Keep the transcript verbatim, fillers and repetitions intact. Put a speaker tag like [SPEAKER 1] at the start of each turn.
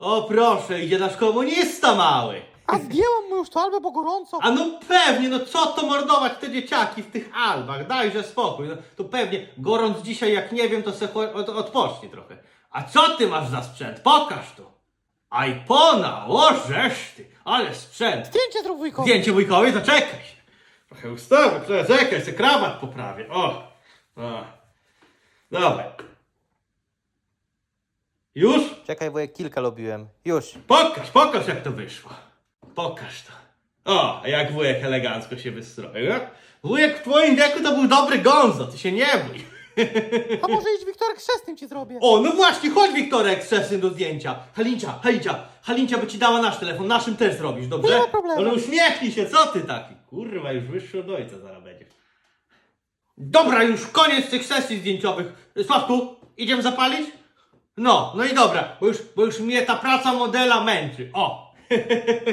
[SPEAKER 1] O proszę, idzie nasz komunista mały.
[SPEAKER 2] A zdjęłam mu już to albę, bo gorąco.
[SPEAKER 1] A no pewnie, no co to mordować te dzieciaki w tych albach, dajże spokój. No, to pewnie gorąc dzisiaj, jak nie wiem, to se od, odpocznie trochę. A co ty masz za sprzęt? Pokaż to. iPona, o żeż ty, ale sprzęt.
[SPEAKER 2] Zdjęcie zrób wujkowi.
[SPEAKER 1] Zdjęcie wujkowi, to czekaj się. Trochę ustawę, trochę czekaj, se krawat poprawię. O, o. Dawaj. Już?
[SPEAKER 3] Czekaj, wujek, kilka lubiłem. Już.
[SPEAKER 1] Pokaż, pokaż jak to wyszło. Pokaż to. O, a jak wujek elegancko się wystroił. No? Wujek w twoim wieku to był dobry gonzo, ty się nie bój.
[SPEAKER 2] A może idź, Wiktorek, chrzestnym ci zrobię.
[SPEAKER 1] O, no właśnie, chodź Wiktorek z sesją do zdjęcia. Halincia, Halincia, Halincia by ci dała nasz telefon, naszym też zrobisz, dobrze?
[SPEAKER 2] Nie ma problemu.
[SPEAKER 1] Ale uśmiechnij się, co ty taki? Kurwa, już wyższy od ojca zaraz będzie. Dobra, już koniec tych sesji zdjęciowych. Sławku, idziemy zapalić? No, no i dobra, bo już, bo już mnie ta praca modela męczy. O!